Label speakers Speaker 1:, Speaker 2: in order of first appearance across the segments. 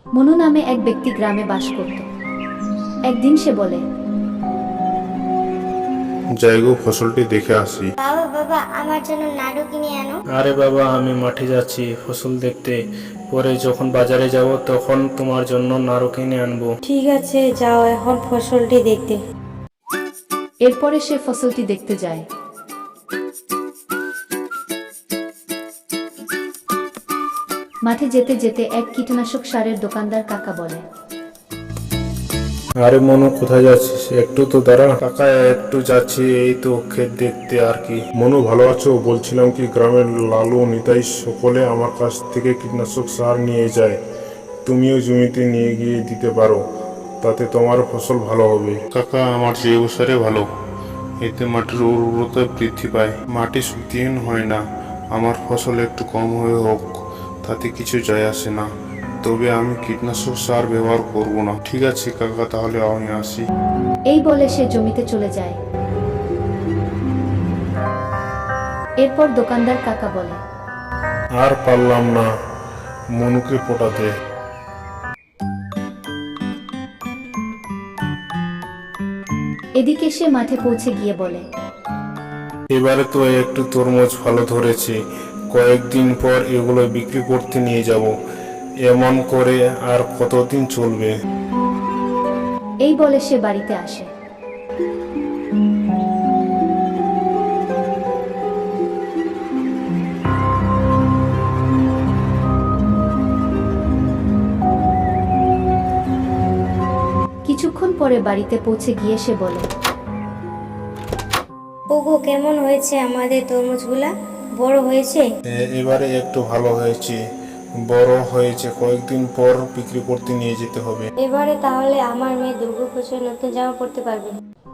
Speaker 1: মনু নামে এক ব্যক্তি গ্রামে বাস করত। একদিন সে বলে,
Speaker 2: যাই গো, ফসলটি দেখে আসি।
Speaker 3: বাবা বাবা, আমার জন্য নাড়ু কিনে আনো।
Speaker 4: আরে বাবা, আমি মাঠে যাচ্ছি ফসল দেখতে, পরে যখন বাজারে যাব তখন তোমার জন্য নাড়ু কিনে আনবো।
Speaker 5: ঠিক আছে, যাও এখন ফসলটি দেখতে।
Speaker 1: এরপরে সে ফসলটি দেখতে যায়। মাঠে যেতে যেতে এক কীটনাশক সারের দোকানদার কাকা বলে,
Speaker 2: আরে মনু, কোথায় যাচ্ছিস? একটু তো দাঁড়া। কাকা, একটু যাচ্ছি, এই তো ক্ষেত দেখতে আর কি। মনু, ভালো আছো? বলছিলাম কি, গ্রামের লালু, নিতাই সকলে আমার কাছ থেকে কীটনাশক সার নিয়ে যায়। তুমিও জমিতে নিয়ে গিয়ে দিতে পারো, তাতে তোমার ফসল ভালো হবে। কাকা, আমার জৈব সারে ভালো, এতে মাটির উর্বরতা বৃদ্ধি পায়, মাটি শুকিয়ে হয় না। আমার ফসল একটু কম হয়ে হোক, তাতে কিছু যায় আসে না, তবে আমি কীটনাশক সার ব্যবহার করব না। ঠিক আছে কাকা, তাহলে আমি আসি।
Speaker 1: এই বলে সে জমিতে চলে যায়। এরপর দোকানদার কাকা বলে,
Speaker 2: আর পারলাম না মনুকে পটাতে।
Speaker 1: এদিকে সে মাঠে পৌঁছে গিয়ে বলে,
Speaker 2: এবারে তো একটু তরমুজ ভালো ধরেছে, কয়েকদিন পর এগুলো বিক্রি করতে নিয়ে যাব। এমন করে আর কতদিন চলবে?
Speaker 1: এই বলে সে বাড়িতে আসে। কিছুক্ষণ পরে বাড়িতে পৌঁছে গিয়ে সে বলে,
Speaker 5: ওগো, কেমন হয়েছে আমাদের তরমুজগুলা? বড় হয়েছে?
Speaker 2: এবারে একটু ভালো হয়েছে, বড় হয়েছে, কয়েকদিন পর বিক্রি করতে নিয়ে যেতে হবে।
Speaker 5: এবারে তাহলে আমার মেয়ে দুর্গাপুজোর নতুন জামা পরতে পারবে।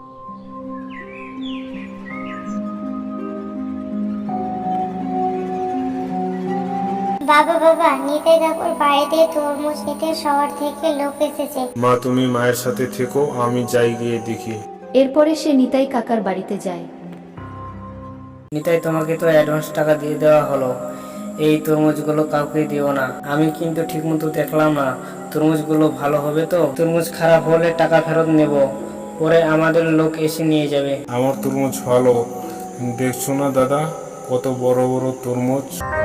Speaker 3: বাবা বাবা, নিতাই কাকুর বাড়িতে তরমুজ নিতে শহর থেকে লোক এসেছে।
Speaker 2: মা, তুমি মায়ের সাথে থেকো, আমি যাই গিয়ে দেখি।
Speaker 1: এরপরে সে নিতাই কাকার বাড়িতে যায়।
Speaker 4: নিতাই, তোমাকে তো অ্যাডভান্স টাকা দিয়ে দেওয়া হলো, এই তরমুজগুলো কাউকে দিও না। আমি কিন্তু ঠিকমতো দেখলাম না তরমুজগুলো ভালো হবে তো। তরমুজ খারাপ হলে টাকা ফেরত নেব, পরে আমাদের লোক এসে নিয়ে যাবে।
Speaker 2: আমার তরমুজ ভালো, দেখছো না দাদা, কত বড় বড় তরমুজ।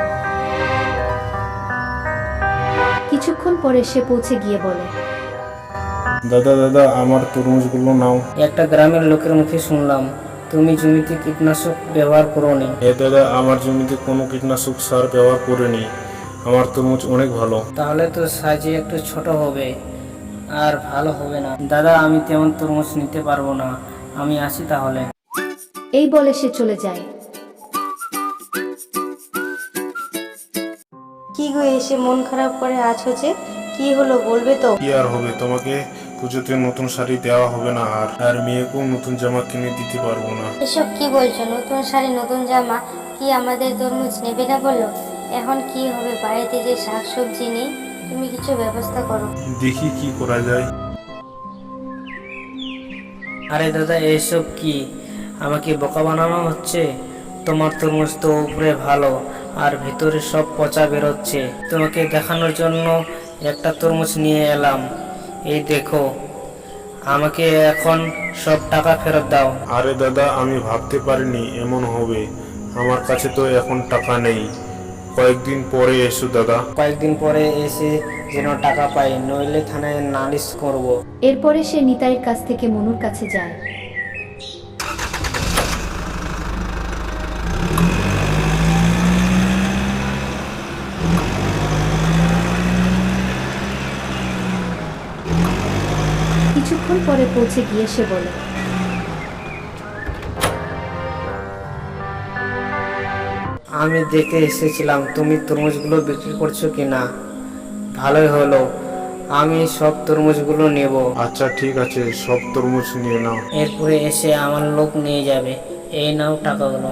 Speaker 1: কিছুক্ষণ পরে সে পৌঁছে গিয়ে বলে,
Speaker 2: দাদা দাদা, আমার তরমুজগুলো নাও।
Speaker 4: একটা গ্রামের লোকের মুখে শুনলাম তুমি জমিতে কীটনাশক ব্যবহার করোনি।
Speaker 2: দাদা, আমার জমিতে কোনো কীটনাশক সার ব্যবহার করিনি, আমার তরমুজ অনেক ভালো।
Speaker 4: তাহলে তো সাইজে একটু ছোট হবে আর ভালো হবে না। দাদা, আমি তেমন তরমুজ নিতে পারবো না, আমি আসি তাহলে।
Speaker 1: এই বলে সে চলে যায়।
Speaker 5: কি গো, এসে মন খারাপ করে আছো যে? কি হলো বলবে তো?
Speaker 2: কি আর হবে, তোমাকে পুজোতে নতুন শাড়ি দেওয়া হবে না, আর আর মেয়েকেও নতুন জামা কিনে দিতে পারবো না।
Speaker 5: এসব কি বলছো? নতুন শাড়ি, নতুন জামা? কি আমাদের তরমুজ নেবে না বললো? এখন কি হবে? বাড়িতে যে শাকসবজি নেই, তুমি কিছু ব্যবস্থা করো।
Speaker 2: দেখি কি করা যায়।
Speaker 4: আরে দাদা, এসব কি? আমাকে বোকা বানানো হচ্ছে? তোমার তরমুজ তো উপরে ভালো আর ভিতরে সব পচা বেরোচ্ছে। তোমাকে দেখানোর জন্য একটা তরমুজ নিয়ে এলাম, এই দেখো। আমাকে এখন সব টাকা ফেরত দাও।
Speaker 2: আরে দাদা, আমি ভাবতে পারিনি এমন হবে, আমার কাছে তো এখন টাকা নেই, কয়েকদিন পরে এসো দাদা।
Speaker 4: কয়েকদিন পরে এসে যেন টাকা পাই, নইলে থানায় নালিশ করব।
Speaker 1: এরপরে সে নিতাইয়ের কাছ থেকে মনুর কাছে যায়। কিছুক্ষণ পরে পৌঁছে গিয়ে সে বলে,
Speaker 4: আমি দেখতে এসেছিলাম তুমি তরমুজগুলো বিক্রি করছো কিনা, ভালোই হলো, আমি সব তরমুজগুলো নেব।
Speaker 2: আচ্ছা ঠিক আছে, সব তরমুজ নিয়ে নাও।
Speaker 4: এরপরে এসে আমার লোক নিয়ে যাবে। এই নাও টাকাগুলো।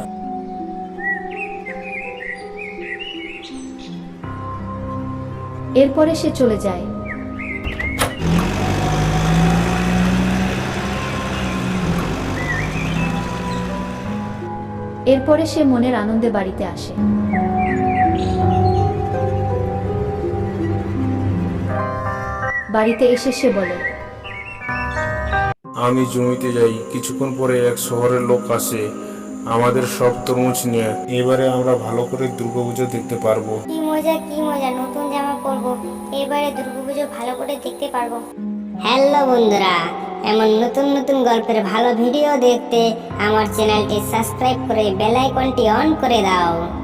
Speaker 1: এরপরে সে চলে যায়। এরপরে সে মনের আনন্দে বাড়িতে আসে। বাড়িতে এসে সে বলে,
Speaker 2: আমি জমিতে যাই, কিছুক্ষণ পরে এক শহরের লোক আসে আমাদের সব তরমুজ নিয়ে। এবারে আমরা ভালো করে দুর্গাপুজো দেখতে পারবো।
Speaker 3: কি মজা, নতুন জামা পরবো, এবারে দুর্গাপুজো ভালো করে দেখতে পারবো।
Speaker 6: হ্যালো বন্ধুরা, এমন নতুন নতুন গল্পের ভালো ভিডিও দেখতে আমার চ্যানেলটি সাবস্ক্রাইব করে বেল আইকনটি অন করে দাও।